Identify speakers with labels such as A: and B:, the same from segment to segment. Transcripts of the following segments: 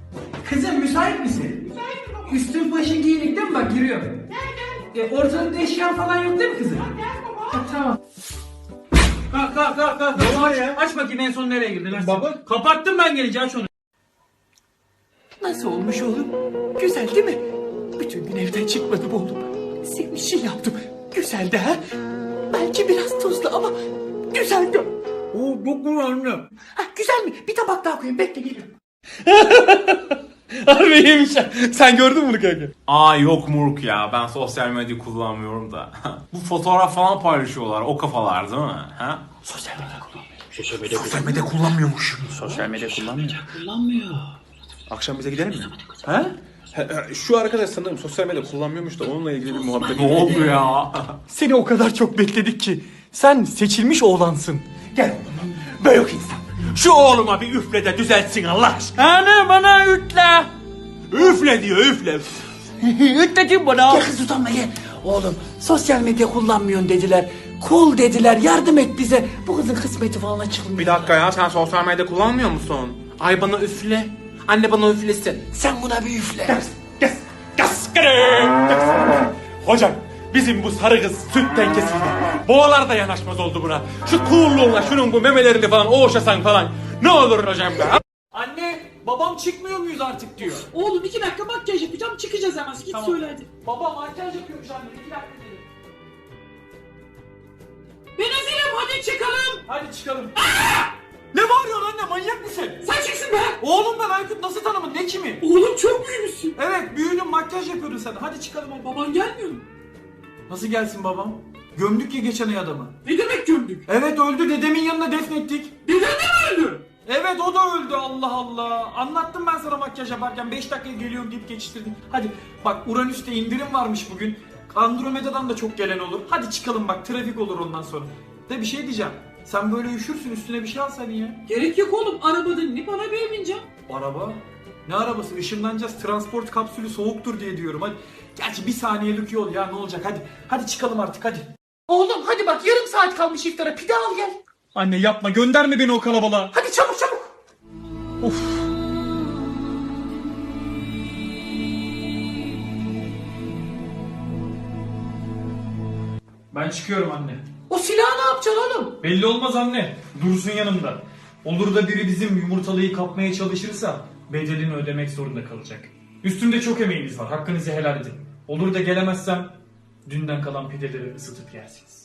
A: Kızım müsait misin?
B: Müsaitim baba.
A: Üstün başın giyinik değil mi? Bak giriyorum.
B: Gel gel.
A: Ortalıkta eşyan falan yok değil mi kızım?
B: Gel baba.
A: Ha, tamam. Kalk.
C: Ne var ya?
A: Aç bakayım en son nereye girdin? Aç.
C: Baba.
A: Kapattım ben gelince aç onu.
D: Nasıl olmuş oğlum? Güzel değil mi? Bütün gün evden çıkmadım oğlum. Senin için yaptım. Güzeldi ha? Belki biraz tuzlu ama güzeldi.
C: Oo çok güzel anne.
D: Ha, güzel mi? Bir tabak daha koyayım. Bekle geliyorum.
C: Harbi iyiymiş ya. Sen gördün mü bunu kanka?
E: Aa yok Murk ya, ben sosyal medya kullanmıyorum da. Bu fotoğraf falan paylaşıyorlar, o kafalar değil mi? Ha?
D: Sosyal medya kullanmıyor.
C: Sosyal medya kullanmıyormuş.
D: Sosyal medya kullanmıyor.
C: Akşam bize gidelim mi? Ha? Şu arkadaş sanırım sosyal medya kullanmıyormuş da onunla ilgili bir muhabbet.
E: Ne oldu ya?
D: Seni o kadar çok bekledik ki. Sen seçilmiş oğlansın. Gel oğlum. Böyle insan. Şu oğluma bir üfle de düzeltsin Allah aşkına.
A: Anne bana ütle.
D: Üfle diyor üfle.
A: Ütledim bana.
D: Gel kız utanma gel. Oğlum sosyal medya kullanmıyorsun dediler. Cool dediler, yardım et bize. Bu kızın kısmeti falan açılmıyor.
E: Bir dakika ya, sen sosyal medya kullanmıyor musun? Ay bana üfle. Anne bana üflesin.
D: Sen buna bir üfle.
C: Hocam bizim bu sarı kız sütten kesildi. Boğalar da yanaşmaz oldu buna. Şu coolluğunla şunun bu memelerini falan oğuşasan falan. Ne olur hocam be.
A: Anne babam çıkmıyor muyuz artık diyor.
B: Oğlum 2 dakika makyaj yapacağım çıkacağız hemen. Git
A: Tamam.
B: söyle hadi.
A: Baba makyaj yapıyormuş anne 2 dakika dedim.
B: Ben hazırım hadi çıkalım.
A: Hadi çıkalım.
C: Ne bağırıyorsun anne, manyak mısın?
B: Sen çıksın be.
A: Oğlum ben Aykut, nasıl tanımın, ne kimi?
B: Oğlum çok büyümüşsün.
A: Evet büyüdüm, makyaj yapıyordun sen. Hadi çıkalım hadi.
B: Baban gelmiyor mu?
A: Nasıl gelsin babam? Gömdük ya geçen ay adamı.
B: Ne demek gömdük?
A: Evet öldü, dedemin yanına defnettik.
B: Deden de mi öldü?
A: Evet o da öldü, Allah Allah. Anlattım ben sana makyaj yaparken 5 dakikaya geliyorum deyip geçiştirdin. Hadi bak, Uranüs'te indirim varmış bugün. Andromeda'dan da çok gelen olur. Hadi çıkalım bak, trafik olur ondan sonra. De bir şey diyeceğim. Sen böyle üşürsün, üstüne bir şey alsan ya.
B: Gerek yok oğlum. Arabada inip arabaya bineceğim.
A: Araba? Ne arabası? Işınlanacağız. Transport kapsülü soğuktur diye diyorum. Hadi. Gerçi bir saniyelik yol ya, ne olacak, hadi. Hadi çıkalım artık hadi.
D: Oğlum hadi bak yarım saat kalmış iftara. Pide al gel.
C: Anne yapma, gönderme beni o kalabalığa.
D: Hadi çabuk çabuk.
C: Ben çıkıyorum anne.
D: O silahı ne yapacaksın oğlum?
C: Belli olmaz anne. Dursun yanımda. Olur da biri bizim yumurtalıyı kapmaya çalışırsa bedelini ödemek zorunda kalacak. Üstümde çok emeğiniz var. Hakkınızı helal edin. Olur da gelemezsem dünden kalan pideleri ısıtıp yersiniz.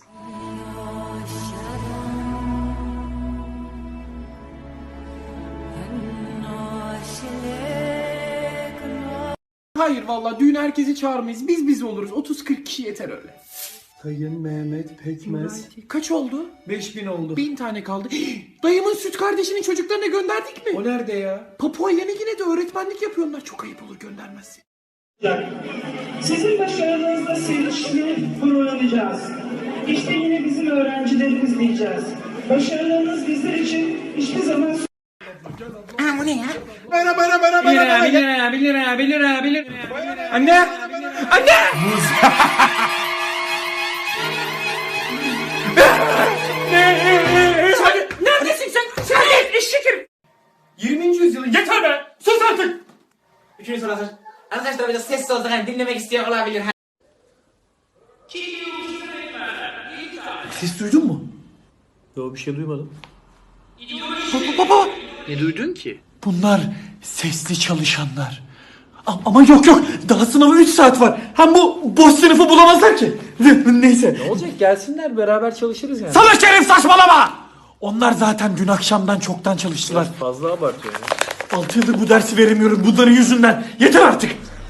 B: Hayır vallahi düğün herkesi çağırmayız. Biz oluruz. 30-40 kişi yeter öyle.
C: Sayın Mehmet Pekmez.
B: Kaç oldu?
A: 5000 oldu.
B: 1000 tane kaldı. Dayımın süt kardeşinin çocuklarına gönderdik mi?
A: O nerede ya?
B: Papua Yeni Gine'de öğretmenlik yapıyorlar. Çok ayıp olur göndermezsin.
F: Sizin başarınızda sevinçli gururlanacağız. İşte yine bizim öğrencilerimiz diyeceğiz. Başarılarınız bizler için hiçbir zaman
A: 1 lira. Anne! Anne!
B: Neredesin sen? Sen de eşekim.
A: 20. yüzyılın yeter be! Sus artık!
G: Üçüncü soru hazır. Arkadaşlar biraz sessiz olsak hani dinlemek isteyen olabilir.
D: Ses duydun mu?
C: Yo, bir şey duymadım.
D: Baba.
A: Ne duydun ki?
D: Bunlar sesli çalışanlar. Ama yok daha sınava 3 saat var. Hem bu boş sınıfı bulamazlar ki. Neyse.
A: Ne olacak, gelsinler beraber çalışırız yani.
D: Salak Şerif saçmalama. Onlar zaten dün akşamdan çoktan çalıştılar.
A: Fazla abartıyor ya.
D: 6 yıldır bu dersi veremiyorum bunların yüzünden. Yeter artık.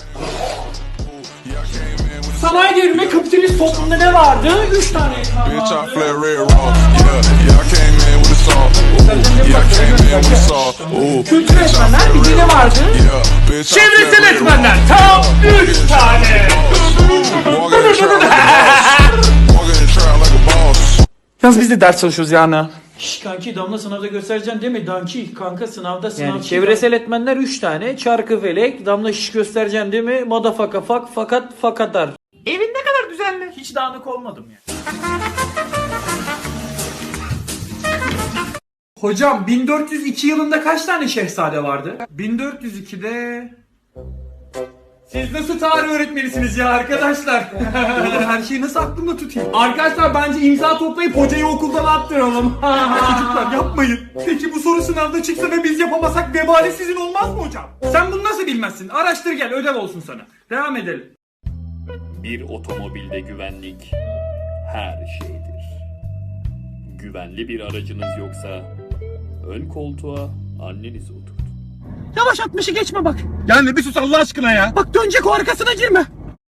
B: Sanayi devrimi kapitalist toplumda ne vardı? 3 tane ekran
H: Bitch, I
B: vardı.
H: flare red raw. Yeah, I came in with a saw. Ooh, yeah, I came in with a saw. Ooh,
B: Kültür etmenler bir de ne vardı?
H: yeah, bitch, I
C: Çevresel
H: flare red
C: etmenler
H: raw.
C: tam 3 tane.
H: Walking in the trap like a boss. Walking in the trap like a boss.
C: Yalnız biz de ders çalışıyoruz yani.
A: Şş kanki, damla sınavda göstereceksin değil mi? Danki kanka sınavda sınav.
I: Yani çevresel etmenler 3 tane. Çarkı felek, damla şiş göstereceksin değil mi? Madafaka fak fakat fakatar.
A: Evin ne kadar düzenli. Hiç dağınık olmadım ya. Hocam 1402 yılında kaç tane şehzade vardı? 1402'de... Siz nasıl tarih öğretmenisiniz ya arkadaşlar? Oğlum her şeyi nasıl aklımda tutayım? Arkadaşlar bence imza toplayıp hocayı okuldan attıralım. Çocuklar yapmayın. Peki bu soru sınavda çıksa ve biz yapamasak vebali sizin olmaz mı hocam? Sen bunu nasıl bilmezsin? Araştır gel, ödev olsun sana. Devam edelim.
J: Bir otomobilde güvenlik her şeydir. Güvenli bir aracınız yoksa ön koltuğa annenizi oturtun.
D: Yavaş 60'ı geçme bak.
B: Yani bir sus Allah aşkına ya.
D: Bak dönecek, o arkasına girme.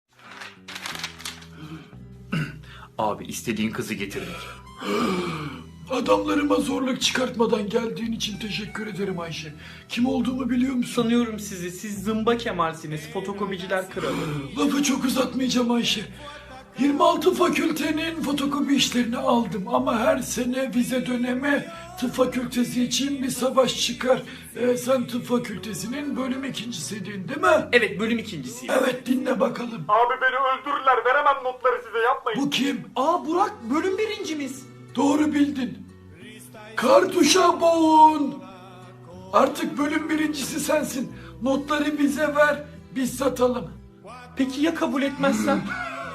A: Abi istediğin kızı getirdik.
B: Adamlarıma zorluk çıkartmadan geldiğin için teşekkür ederim Ayşe. Kim olduğumu biliyor musun?
A: Sanıyorum sizi. Siz zımba Kemal'siniz. Fotokopiciler kralı.
B: Lafı çok uzatmayacağım Ayşe. 26 fakültenin fotokopi işlerini aldım ama her sene vize dönemi tıp fakültesi için bir savaş çıkar. Sen tıp fakültesinin bölüm ikincisiydin değil mi?
A: Evet, bölüm ikincisiyim.
B: Evet, dinle bakalım.
C: Abi beni öldürürler. Veremem notları size, yapmayın.
B: Bu kim?
A: Aa Burak, bölüm birincimiz.
B: Doğru bildin. Kartuşa boğun. Artık bölüm birincisi sensin. Notları bize ver, biz satalım.
A: Peki ya kabul etmezsem?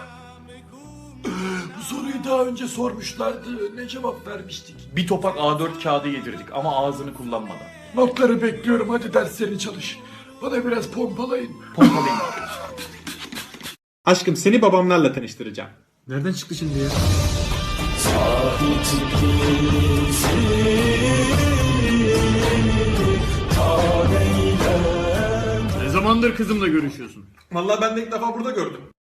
B: Bu soruyu daha önce sormuşlardı. Ne cevap vermiştik?
A: Bir topak A4 kağıdı yedirdik ama ağzını kullanmadan.
B: Notları bekliyorum. Hadi derslerini çalış. Bana biraz pompalayın.
A: Pompalayın.
K: Aşkım seni babamlarla tanıştıracağım.
B: Nereden çıktı şimdi ya?
K: Ne zamandır kızımla görüşüyorsun?
E: Vallahi ben de ilk defa burada gördüm.